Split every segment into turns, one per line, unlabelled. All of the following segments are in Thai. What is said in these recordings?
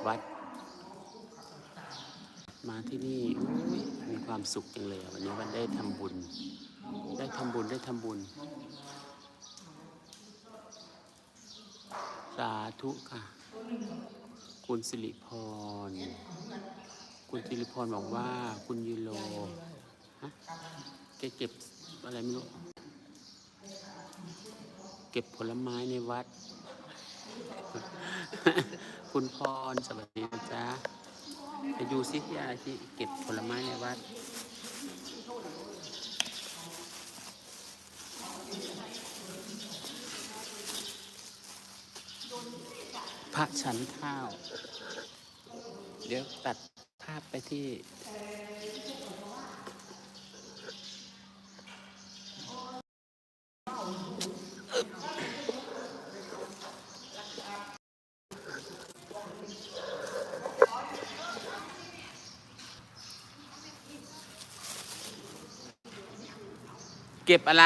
วัดมาที่นี่มีความสุขจังเลยวันนี้วันได้ทำบุญได้ทำบุญสาธุค่ะคุณสิริพรบอกว่าคุณยูโรฮะแกเก็บอะไรไม่รู้เก็บผลไม้ในวัด คุณพรสวัสดีนะจ๊ะไปดูซิที่อะไรที่เก็บผลไม้ในวัดพระฉันข้าวเดี๋ยวตัดภาพไปที่เก็บอะไร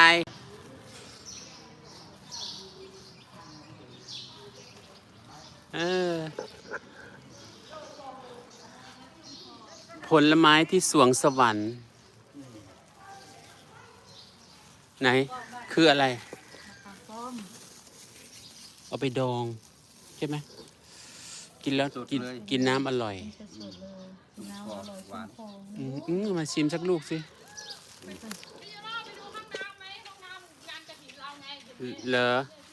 ผลไม้ที่สวงสวรรค์ไหนคืออะไรเอาไปดองใช่ไหมกินแล้วกินน้ำอร่อยมาชิมสักลูกสิเหรอ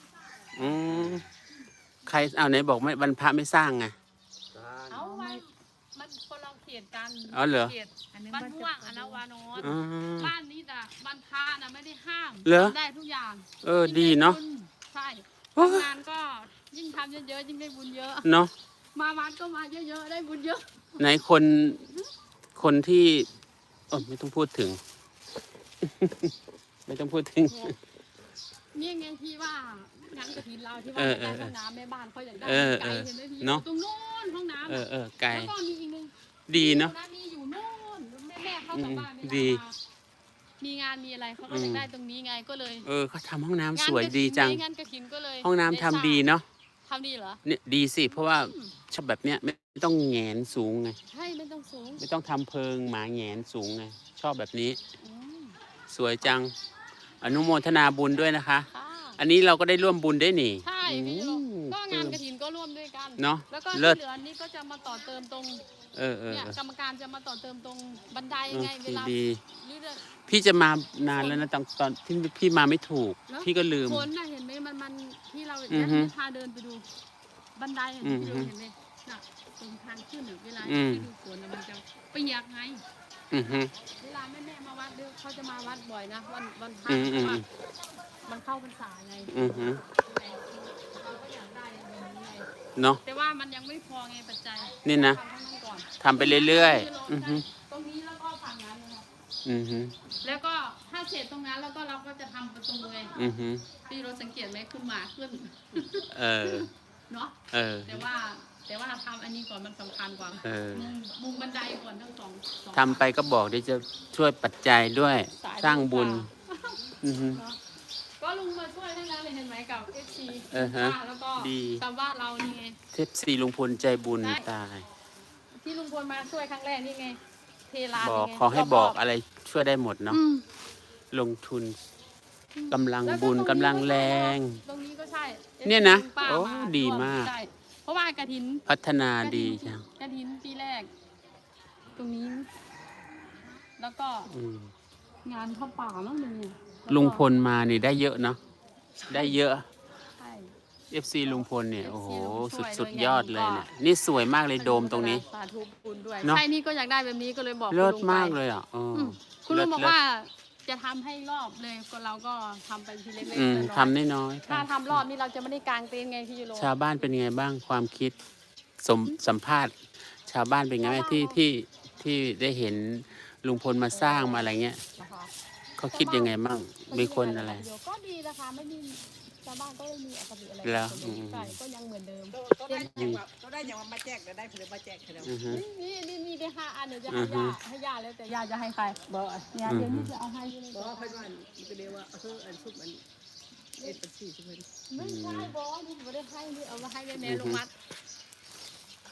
ใครเอาไหนบอกไม่บรรพะไม่สร้างไง
เอามันคนเราเขียนกัน
เหรอ
บ้านม่วงอนาวานนบ้านนี้แต่บ้านพระนะไม่ได้ห้ามได้ทุกอย่าง
ดีเนาะ
ใช่งานก็ยิ่งทำเยอะๆยิ่งได้บุญเยอะ
เนาะ
มาวัดก็มาเยอะๆได้บุญเยอะ
ไหนคนที่ไม่ต้องพูดถึง ไม่ต้องพูดถึง
นี่ไงที่ว่างานกฐินเราที่ว่าการห้องน้ำแม่บ้านเขาอยากได้ไกลเห็นไหมพี่ตรงโน้นห้องน้ำ
ไกล
แล้วก็มีอีกนึง
ดีเนาะ
มีอยู่โน่นแม่เขากลับบ้านไม่ได้มีงานมีอะไรเขาก็อยากได้ตรงนี้ไงก็เลย
เขาทำห้องน้ำสวยดีจัง
งานกฐินก็เลย
ห้องน้ำทำดีเนาะ
ทำดีเหรอ
เนี่ยดีสิเพราะว่าชอบแบบเนี้ยไม่ต้องแหงนสูงไง
ใช่ไม่ต้องสูง
ไม่ต้องทำเพิงหมาแหงนสูงไงชอบแบบนี้สวยจังอนุโมทนาบุญด้วยนะคะอันนี้เราก็ได้ร่วมบุญได้หนิ
ใช่พี่ก็งานกฐินก็ร่วมด้วยกัน
เนาะ
แล้วก็ที่เหลือนี่ก็จะมาต่อเติมตรงเนี่ยกรรมการจะมาต่อเติมตรงบันไดไงเวลา
พี่จะมานานแล้วนะตอนที่พี่มาไม่ถูกพี่ก็ลืม
คนน่ะเห็นไหมมันที่เราพาเดินไปดูบันไดเห็นไหมน่ะตรงทางขึ้นเวลาที่ดูฝนมันจะเปียกไงเวลาแม่มาวัดเขาจะมาวัดบ่อยนะวันพระมันเข้าพรรษาไงเราก็อยากได้แบบนี้ไง
เนาะ
แต่ว่ามันยังไม่พอไงปัจจัย
นี่นะทำไปเรื่อย
ๆตรงนี้แล้วก็ฝั่งนั้นนะครับแล้วก็ถ้าเสร็จตรงนั้นแล้วก็เราก็จะทำประตูไงพี่เราสังเกตไหมขึ้นมาขึ้นเนาะแต่ว่าทำอันนี้ก่อนมันสำคัญกว่ามุงบันไดก่อนทั้งสอง
ทำไปก็บอกเดี๋ยวจะช่วยปัจจัยด้วยสร้างบุญ
ก็ลุงมาช่วยทั้งนั้นเลยเห็นไหมกับ FC แล้วก็ชาวบ้านเรานี่ไง
FC ลุงพลใจบุญตาย
ที่ลุงพลมาช่วยครั้งแรกนี่ไงเทลา
บอกขอให้บอกอะไรช่วยได้หมดเนาะลงทุนกำลังบุญกำลังแรง
ตรงนี้ก็ใช่
เนี่ยนะโอ้ดีมาก
เพราะว่ากฐิน
พัฒนาดีจัง
กฐินปีแรกตรงนี้แล้วก็งานเข้าป่าแล้วนึง
ลุงพลมานี่ได้เยอะเนาะได้เยอะ FC ลุงพลเนี่ยโอ้โหสุดยอดเลยเนี่ยนี่สวยมากเลยโดมตรงนี้
สาธุบุญด้วยใช่นี่ก็อยากได้แบบนี้ก็เลยบอก
เลิศมากเลยอ่ะ
คุณลุงบอกว่าจะทำให้รอบเลยก็เราก็ทำไปทีเล็กๆ
ทำน้อย
ๆถ้าทำรอบนี้เราจะไม่ได้กางเต็นท์ไงพี่ยูโร
ชาวบ้านเป็นไงบ้างความคิดสัมภาษณ์ชาวบ้านเป็นไงที่ได้เห็นลุงพลมาสร้างมาอะไรเงี้ยเขาคิดยังไงบ้างมีคนอะไร
ก็ดีนะคะไม่มีชาวบ้านก็ไม่มีอคติอะไร
แล้ว
ใช่ก็ยังเหมือนเดิม
ก็ได้อย่างมาแจกเดี๋ยวได้ผลิตมาแจกเดี๋ยว
นี่ได้5 อันเดี๋ยวจะให้ย่าแล้วแต่ย่าจะให้ใครบอกย่าเดี๋ยวนี้จะเอาให้
บอกว่าเพื่อนว่าเดี๋ยวว่าอันซุปอันเป็น4ใช่ไหม
ไม่ใช่บอกนี่ไม่ได้ให้นี่เอามาให้แม่ลงมัด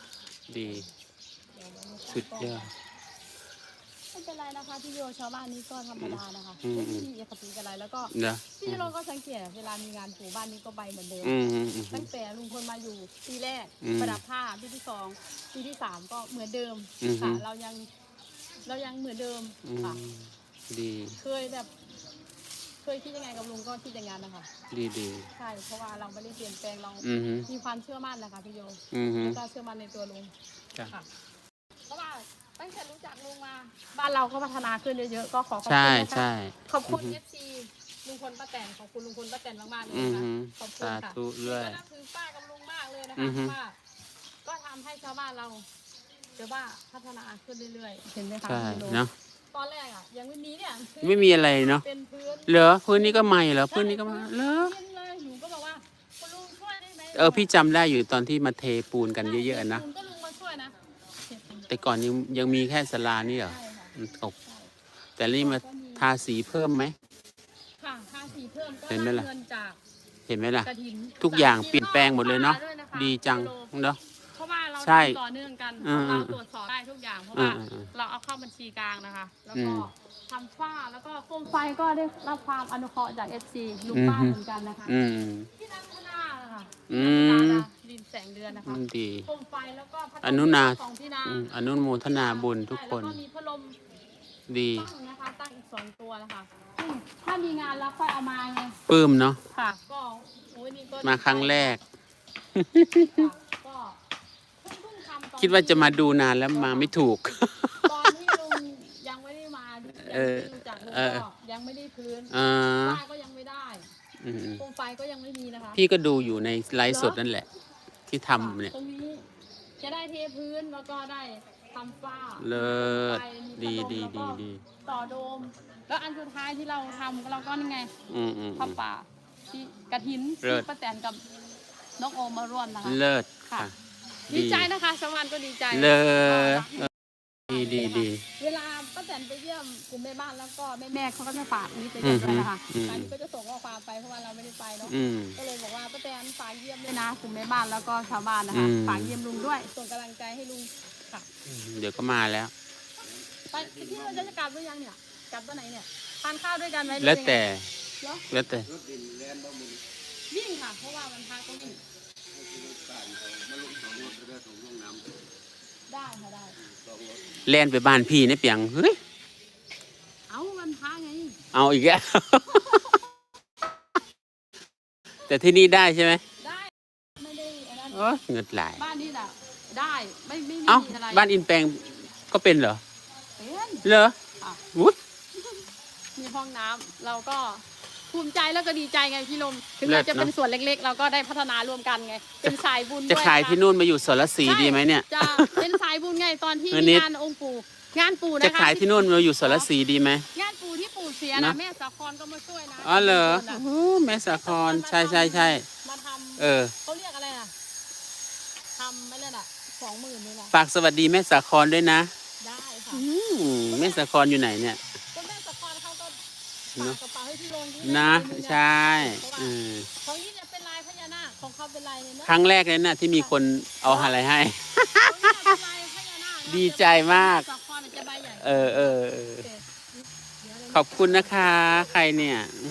ดีสุดยอด
ไม่เป็นไรนะคะพี่โยชาวบ้านนี้ก็ธรรมดานะคะ
อืม
ไม่มีอคติอะไรแล้วก็
นะ
พี่โรก็สังเกตเวลามีงานปู่บ้านนี้ก็ไปเหมือนเดิม
อืมอืมอืม
ตั้งแต่ลุงพลมาอยู่ปีแรก
อืม
ประดับผ้าปีที่สองปีที่สามก็เหมือนเดิม
อืม
ค่ะเรายังเหมือนเดิม
อืม
ค่ะ
ดี
เคยคิดยังไงกับลุงก็คิดอย่างนั้นนะคะ
ดีดี
ใช่เพราะว่าเราไม่ได้เปลี่ยนแปลงเรา
อืม
มีความเชื่อมั่นนะคะพี่โย
อืม
แล้วก็เชื่อมั่นในตัวลุง
จ้ะ
ค่ะเพราะว่าตั้งแต่รู้จักลุงมาบ้านเราก็พัฒนาขึ้นเยอะๆก็ขอขอบ
ใช่
คุณนะคะ
ใช่
ขอบคุณFC ลุงพลป้าแตนขอบคุณลุงพลป้าแตนมากๆเลย
อืม
นะคะขอบคุณ
สา
ค่ะ
ธุด้วย
ก็นับถือป้ากับลุงมากเลยนะ
อื
คะ
อ
เพ
ฮึ
ราะว่าก็ทำให้ชาวบ้านเราเดี๋ยวว่าพัฒนาขึ้นเรื่อยๆเห็นไหมคะ
ใช่
พี่โล
เนาะ
ตอนแรกอ่ะยังไม่มีเนี่ยคือ
ไม่มีอะไรเนาะ
เป็นพื้น
เหรอพื้นนี้ก็ใหม่เหรอพื้นนี้ก็มาเหรอ
เย็นเลยหนูก็บอกว่าคุณลุงช่วยได้ไหม
พี่จำได้อยู่ตอนที่มาเทปูนกันเยอะๆนะ
ลุงก็ลุงมาช่วยนะ
แต่ก่อนยังมีแค่ศาลานี่เหรอ
ใช่ค่ะ
มันตกแต่นี่มาทาสีเพิ่มไหม
ค่ะค่าสีเพิ่มก็
เห็นไหม
ได้
ล่ะ
เงินจาก
เห็นไหมล่ะ
กระถิ่น
ทุกอย่าง
3
เปลี่ยนแปลงหมดเลยเนาะ
ด้วยค
ดีจังเนาะ
เพราะว่าเรา
ใช่
ทำต่อเนื่องกัน
อืม
เราตรวจสอบได้ทุกอย่างเพราะว่า
อืม
เราเอาเข้าบัญชีกลางนะคะ แล้ว
อื
ก็
ม
ทำฝ้าแล้วก็โคมไฟก็ได้รับความอนุเคราะห์จาก FC ลุงป้า
อืม
เหมือนกันนะคะ
อืม
ที่นั่งข้างหน้านะคะ
อืม
ดินแสงเดือนนะคะ
ดี
โคมไฟแล้วก็พัดลม
อนุนา
สองที่นา
อนุโมทนาบุญทุกคน
ใช่แล้วก็มีพัดลม
ดี
ตั้งนะคะตั้งอีก2 ตัวนะคะซึ่งถ้ามีงานแล้วค่อยเอามาไง
ปลื้มเนาะ
ค่ะก็โอ้ยนี่ก็
มาครั้งแรก
ค่ะก็เพิ่งทำตอน
คิดว่าจะมาดูนานแล้วมาไม่ถูก
ตอนที่ลุงยังไม่ได้มายังไม่
เออ
ได้รู้จักลุง
เออ
ก็ยังไม่ได้พื้น
อ่า
ฝ้าก็ยังไม่ได้
อืม
โคมไฟก็ยังไม่มีนะคะ
พี่ก็ดูอยู่ในไลฟ์สดนั่นแหละ ที่ทำเนี่ย
ตรงนี้จะได้เทพื้นแล้วก็ได้ทำฝ้า
เลิศ
ไฟมี
ดี
พัลม
ดี
แล้วก็
ดี
ต่อโดม แล้วอันสุดท้ายที่เราทำเราก็นี่ไง
อืมอืม
ผ้าป่าที่กระถิน
เลิ
ที่
ศ
ป้าแตนกับน้องโอมมาร่วมนะคะ
เลิศ
ค่ะ
ค่ะ
ดีใจนะคะชาวบ้านก็ดีใจ
เลิศดีดีดี
เวลาป้าแตนไปเยี่ยมกลุ่มแม่บ้านแล้วก็แม่เขาก็จะฝากนี่ไปเยี่ยมด้วยนะคะ
อืม
อันนี้ก็จะส่งข้อความไปเพราะว่าเราไม่ได้ไปเนาะ
อืม
ก็เลยบอกว่าป้าแตนฝากเยี่ยมด้วยนะกลุ่มแม่บ้านแล้วก็ชาวบ้านนะคะ
อืม
ฝากเยี่ยมลุงด้วย ส่งกำลังใจให้ลุงค่ะ
เดี๋ยวก็มาแล้ว
ไปที่เราจะกลับหรือยังเนี่ยกลับวันไหนเนี่ยทานข้าวด้วยกันไหมหรือ
แล้ว
ยังไง
แต่
เหรอ
แล้วแต่
วิ่งค่ะ เพราะว่าวันพักก็วิ่งได้ค่ะได้
แล่นไปบ้านพี่เนี่ยเปียงเฮ้ย
เอาวันพักไง
เอาอีกแล้ว แต่ที่นี่ได้ใช่ไหม
ได้ไม่ได้อันนั้น
โอ้เงินไหลาย
บ้านนี่แหละได้ไม่มี
เอ้า
อะไร
บ้านอินแปลงก็เป็นเหรอ
เป็น
เหรอ
อ่ะ
วุ้ย
มีห้องน้ำเราก็ภูมิใจแล้วก็ดีใจไงพี่ลมถึง
เลิ
เรา
ศ
จะเป็น
เนอะ
ส่วนเล็กๆ เราก็ได้พัฒนาร่วมกันไงเป็นสายบุญ
จะ
ด้วย
ขาย
นะคะ
ที่นู่นมาอยู่สรศรี
ใช่
ดีไหมเนี่ย
จะเป็นสายบุญไงตอนที่
อัน
มี
นี้
งานองค์ปู่งานปู่นะคะ
จะขายที่นู่นมาอยู่สรศรีดีไหม
งานปู่ที่ปู่เสีย
เน
นะ
อะ
แม่สาครก็มาช่วยนะ
อ๋อเหรอ
ทุกคนน่ะ
โอ้แม่สาครใช่ใช่ใช่
มาท
เออ
ำเขาเรียกอะไรอ่ะทำไม่เล่นอ่ะ20,000นี่แหละ
ฝากสวัสดีแม่สาครด้วยนะ
ได้ค่ะ
แม่สาครอยู่ไหนเนี่ย
ก็แม่สาครเขาก็
เน
ฝาก
อะ
กระเป๋าให้พี่ลงที่
นะ
มือ
ใช่
เพราะว่า
อืม
ของยี่เนี่ยเป็นลายพญานาคของเขาเป็นลายเนี่ยเนอะ
ครั้งแรกเลยนะที่มีคนเอาอะไรให้
ของยี่เนี่ยเป็นลายพญานาคนะ
ดีใจมาก
สาครจะใบใหญ่
เออ
เดี๋ยวเลย
ขอบคุณนะคะ ใครเนี่ย อื